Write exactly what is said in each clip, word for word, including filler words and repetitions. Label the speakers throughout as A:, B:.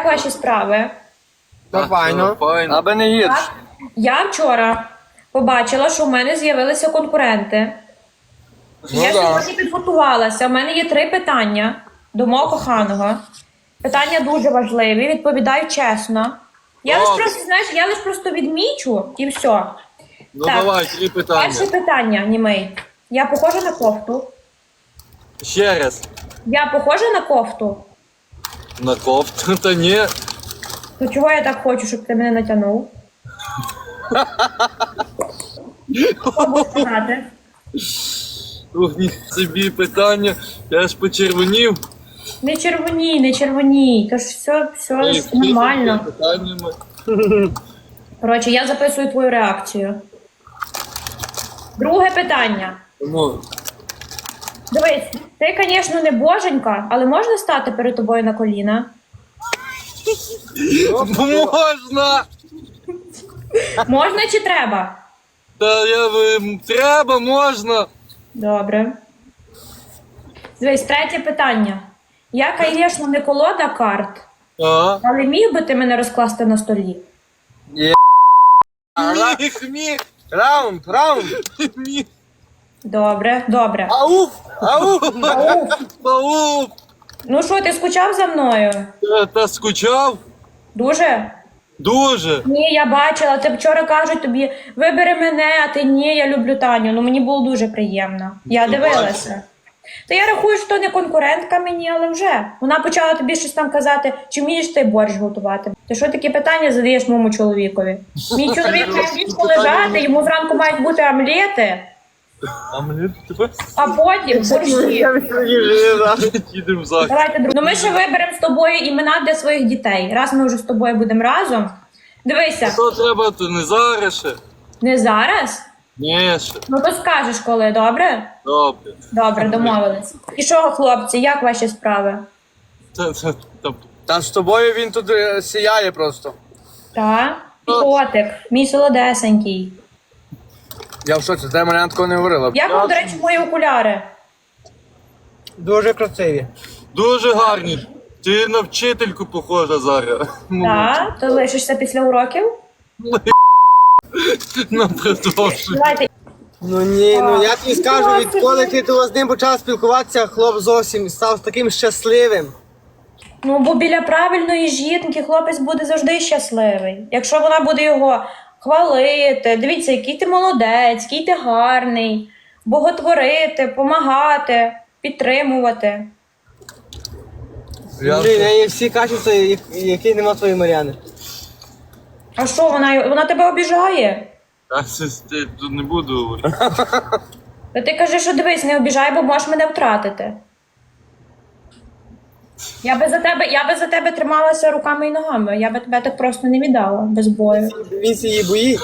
A: ваші справи?
B: Нормально.
C: Аби не гірше.
A: Так. Я вчора побачила, що в мене з'явилися конкуренти.
B: Ну,
A: Я
B: да.
A: сьогодні підготувалася. У мене є три питання до мого коханого. Питання дуже важливі, відповідаю чесно. Я лише просто, знаєш, я лише просто відмічу і все.
C: Ну
A: Так.
C: давай, три питання.
A: Перше питання, німей. Я похожа на кофту?
C: Ще раз.
A: Я похожа на кофту?
C: На кофту, та ні.
A: То чого я так хочу, щоб ти мене натягнув? Що будеш сказати?
C: Ух, ні, собі питання. Я ж почервонів.
A: Не червоній, не червоній. Тож все, все
C: І
A: ж нормально.
C: питаннями.
A: Коротше, я записую твою реакцію. Друге питання.
C: Тому
A: Дивись, ти, звісно, не боженька, але можна стати перед тобою на коліна?
C: можна!
A: Можна чи треба?
C: Та я би- треба, можна.
A: Добре. Дивись, третє питання. Я, звісно, не колода карт,
C: А?
A: але міг би ти мене розкласти на столі?
C: Міг, міг,
B: Раунд, раунд.
C: міг.
A: Добре, добре.
B: Ауф, ауф.
A: Ау.
C: Паук.
A: Ну що, ти скучав за мною?
C: Та, та скучав?
A: Дуже?
C: Дуже.
A: Ні, я бачила, ти вчора кажуть тобі, вибери мене, а ти ні, я люблю Таню. Ну мені було дуже приємно. Я
C: Ну,
A: дивилася. Та я рахую, що не конкурентка мені, але вже. Вона почала тобі щось там казати, чи вмієш ти борщ готувати. Ти що такі питання задаєш моєму чоловікові? Мій чоловік має ліжку лежати, йому зранку мають бути омлети,
C: А мені тебе
A: а потім борщі.
C: їдемо в захід.
A: Давайте, друг- ну ми ще виберемо з тобою імена для своїх дітей. Раз ми вже з тобою будемо разом. Дивися,
C: Що треба, то не зараз ще?
A: не зараз?
C: Ні, ще.
A: Ну то скажеш коли, добре?
C: Добре.
A: Добре, домовились. І що, хлопці, як ваші справи?
C: Та, та, та,
B: Та з тобою він тут е, сіяє просто.
A: Та? Котик, мій солодесенький.
B: Я в шоці, ти мене такого не говорила.
A: Як вам, до речі, мої окуляри?
B: Дуже красиві.
C: Дуже гарні. Ти на вчительку похожа зараз.
A: Так? То лишишся після уроків?
C: На продовження.
A: Давайте.
B: Ну ні, ну я тобі скажу, відколи ти тут з ним почав спілкуватися, хлоп зовсім став таким щасливим.
A: Ну, бо біля правильної жінки хлопець буде завжди щасливий. Якщо вона буде його хвалити, дивіться, який ти молодець, який ти гарний, боготворити, помагати, підтримувати.
B: Блін, в неї всі качества, я- які нема твоєї Мар'яни.
A: А що, вона, вона тебе обіжає?
C: А це я тут не буду говорити.
A: Та ти кажи, що дивись, не обіжай, бо можеш мене втратити. Я би за тебе, я би за тебе трималася руками і ногами. Я би тебе так просто не віддала без бою.
B: Він її боїть.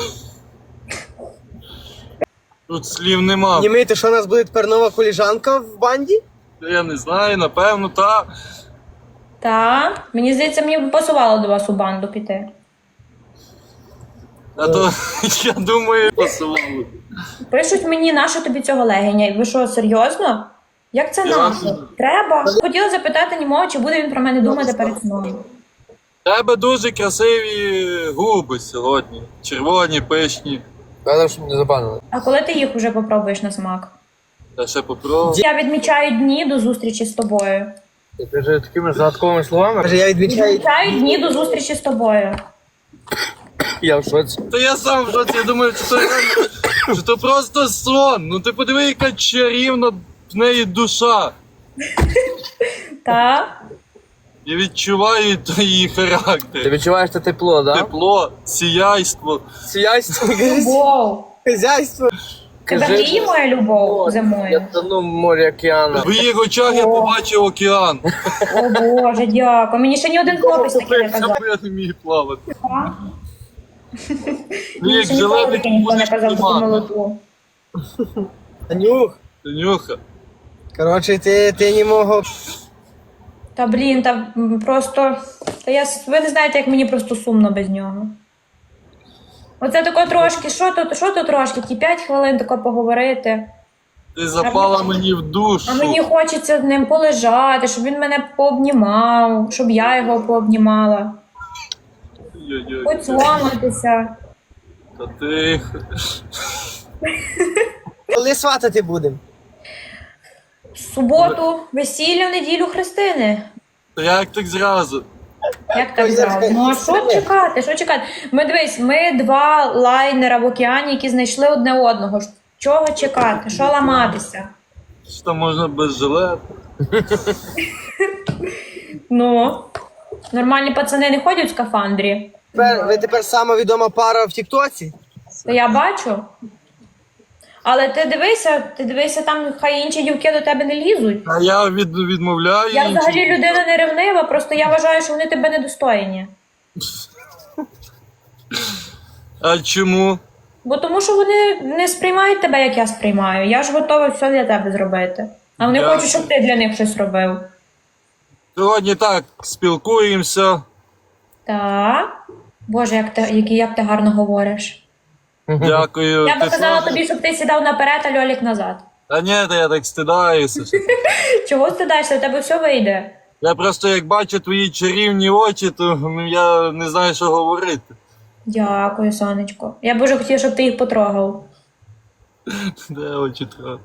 C: Тут слів нема.
B: Німей, то що у нас буде тепер нова коліжанка в банді?
C: Я не знаю, напевно, та.
A: Та, мені здається, мені б пасувало до вас у банду піти.
C: А то я думаю, пасувало.
A: Пишуть мені, нащо тобі цього легеня? Ви що, серйозно? Як це нащо? Треба. Хотіла запитати німого, чи буде він про мене думати перед сном.
C: Тебе дуже красиві губи сьогодні. Червоні, пишні.
B: Казав, щоб не забанили.
A: А коли ти їх уже попробуєш на смак?
C: Я ще попробую.
A: Я відмічаю дні до зустрічі з тобою.
B: Ти вже такими загадковими словами. Каже, я відмічаю.
A: Відмічаю дні до зустрічі з тобою.
B: Я в шоці.
C: Та я сам в шоці, я думаю, що то, що то просто сон. Ну ти подиви, яка чарівна в неї душа.
A: Та?
C: Я відчуваю то її
B: Ти
C: характер.
B: відчуваєш те тепло, так? Да?
C: Тепло, сіяйство.
B: Сіяйство,
A: Любов.
B: хазяйство.
A: Тебе гріє моя любов зимою?
B: Я тону в морі океану.
C: В її очах я побачив океан.
A: О Боже, дякую. Мені ще ні один хлопець таки не казав.
C: Я не міг плавати.
A: А?
C: Ну, як
A: Мені ще ніколи
C: зелений
A: таки ніхто не
C: будеш
A: казав таку
C: тримати.
A: молоду.
B: Танюх.
C: Танюха.
B: Коротше, ти, ти не мого.
A: Та блін, та м, просто. Та я с- ви не знаєте, як мені просто сумно без нього. Оце тако трошки, що то, що то трошки, ті п'ять хвилин тако поговорити.
C: Ти запала мені в душу.
A: А мені хочеться з ним полежати, щоб він мене пообнімав, щоб я його пообнімала.
C: Ой-ой-ой.
A: Поцьоматися.
C: Та тихо.
B: Коли сватати будемо?
A: В суботу весілля, в неділю хрестини.
C: Та як так зразу?
A: Як так
B: Ой,
A: зразу?
B: я-
A: Ну а що чекати? Що чекати? Ми дивись, ми два лайнера в океані, які знайшли одне одного. Чого чекати? Що ламатися?
C: Що там можна без жилета?
A: Ну, нормальні пацани не ходять в скафандрі.
B: Тепер, ви тепер сама відома пара в Тіктоці?
A: То я бачу. Але ти дивися, ти дивися, там хай інші дівки до тебе не лізуть.
C: А я від, відмовляю.
A: Я
C: іншим.
A: взагалі людина не ревнива, просто я вважаю, що вони тебе недостойні.
C: А чому?
A: Бо тому що вони не сприймають тебе, як я сприймаю. Я ж готова все для тебе зробити. А вони
C: Дякую.
A: хочуть, щоб ти для них щось робив.
C: Сьогодні так, спілкуємося.
A: Так. Боже, як ти, який, як ти гарно говориш.
C: Дякую.
A: Я би
C: Ти
A: казала
C: теж?
A: тобі, щоб ти сідав наперед, а Льолік назад.
C: Та ні, та я так стидаюся.
A: Чого стидаєшся? У тебе все вийде.
C: Я просто як бачу твої чарівні очі, то ну, я не знаю, що говорити.
A: Дякую, сонечко. Я б дуже хотіла, щоб ти їх потрогав.
C: Де очі трохи?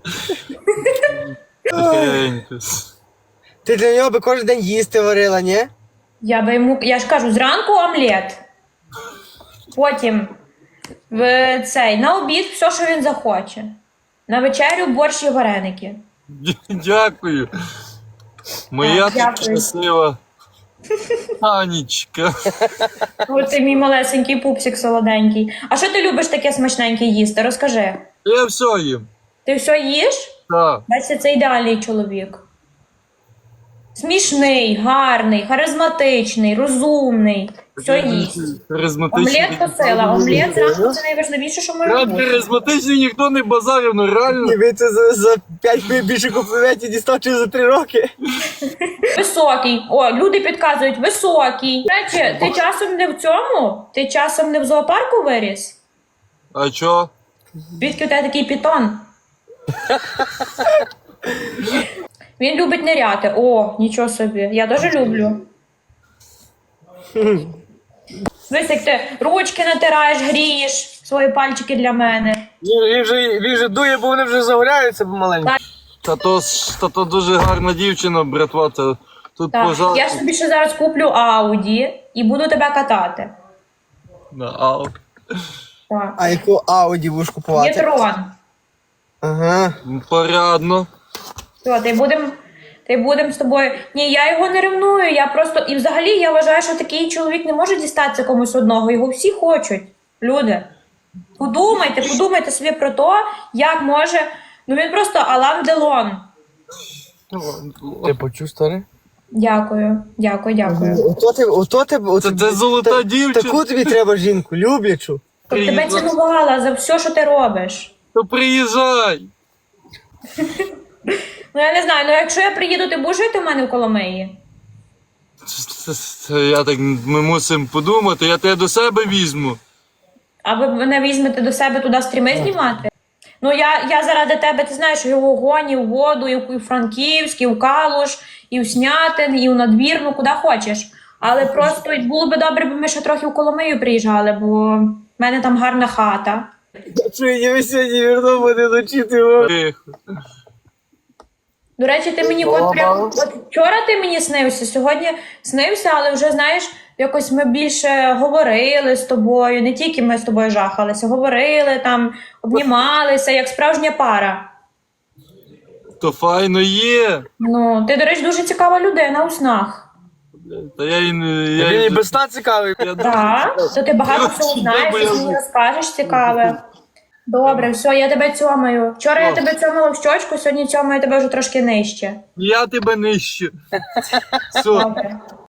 C: Тихенько.
B: Ти для нього би кожен день їсти варила, ні?
A: Я би йому. Я ж кажу, зранку омлет. Потім в цей на обід все, що він захоче. На вечерю борщ і вареники.
C: Дякую. Моя
A: Так,
C: ти
A: дякую.
C: щаслива Анічка.
A: Ось ти мій малесенький пупсик солоденький. А що ти любиш таке смачненьке їсти? Розкажи.
C: Я все їм.
A: Ти все їш?
C: Так.
A: Бачите, це ідеальний чоловік. Смішний, гарний, харизматичний, розумний. Все їсть.
C: Харизматичний.
A: Омлет то сила. Омлет зранку це найважливіше, що може
C: Рад
A: бути.
C: харизматичний ніхто не базарив, ну реально.
B: Ні, ви це за, за п'ять хвилин більше компліментів дістав, чи за три роки.
A: Високий. О, люди підказують, високий. До речі, ти часом не в цьому? Ти часом не в зоопарку виріс?
C: А чо?
A: Звідки у тебе такий пітон? Він любить ниряти. О, нічого собі. Я дуже люблю. Дивись, як ти ручки натираєш, грієш свої пальчики для мене.
B: Він, він, же, він же дує, бо вони вже загоряються помаленьку.
C: Та то, ж- та то дуже гарна дівчина, братва. Та, тут
A: Так,
C: пожалуйста.
A: я собі ще зараз куплю Ауді і буду тебе катати.
C: На, ау.
A: Так.
B: А яку Ауді будеш купувати?
A: Є трон.
B: Ага.
C: Порядно.
A: Все, ти будемо ти будем з тобою. Ні, я його не ревную, я просто. І взагалі я вважаю, що такий чоловік не може дістатися комусь одного. Його всі хочуть. Люди. Подумайте, подумайте собі про те, як може. Ну він просто Алан Делон.
B: Ти почув, старий?
A: Дякую, дякую, дякую.
B: Ото ти, ото тебе, ото
C: Це, це золота
B: та-
C: дівчина.
B: Таку тобі треба жінку, люблячу.
A: Щоб тебе цінувала за все, що ти робиш.
C: То приїжджай.
A: Ну я не знаю, ну якщо я приїду, ти будеш жити в мене в Коломиї?
C: Це- це- це Я так, ми мусимо подумати, я тебе до себе візьму.
A: А ви мене візьмете до себе туди стріми знімати? Ну я, я заради тебе, ти знаєш, і в Огонь, і в Воду, і в Франківськ, і в Калуш, і в Снятин, і в Надвірну, куди хочеш. Але просто було би добре, бо ми ще трохи в Коломию приїжджали, бо в мене там гарна хата.
B: Що я ви сьогодні вернув мене ночі, ти його.
C: Тихо.
A: До речі, ти мені от прям от вчора ти мені снився, сьогодні снився, але вже знаєш, якось ми більше говорили з тобою, не тільки ми з тобою жахалися, говорили там, обнімалися, як справжня пара.
C: То файно є.
A: Ну, ти, до речі, дуже цікава людина у снах.
C: Та я і не. Я,
B: Він і
C: і-
B: без сна цікавий.
C: я
A: Так, то ти багато всього знаєш,
C: Добре,
A: і мені розкажеш цікаве. Добре, все, я тебе цьомаю. Вчора я тебе цьомала в щочку, сьогодні цьомаю тебе вже трошки нижче.
C: Я тебе нищу. Все.
A: Добре.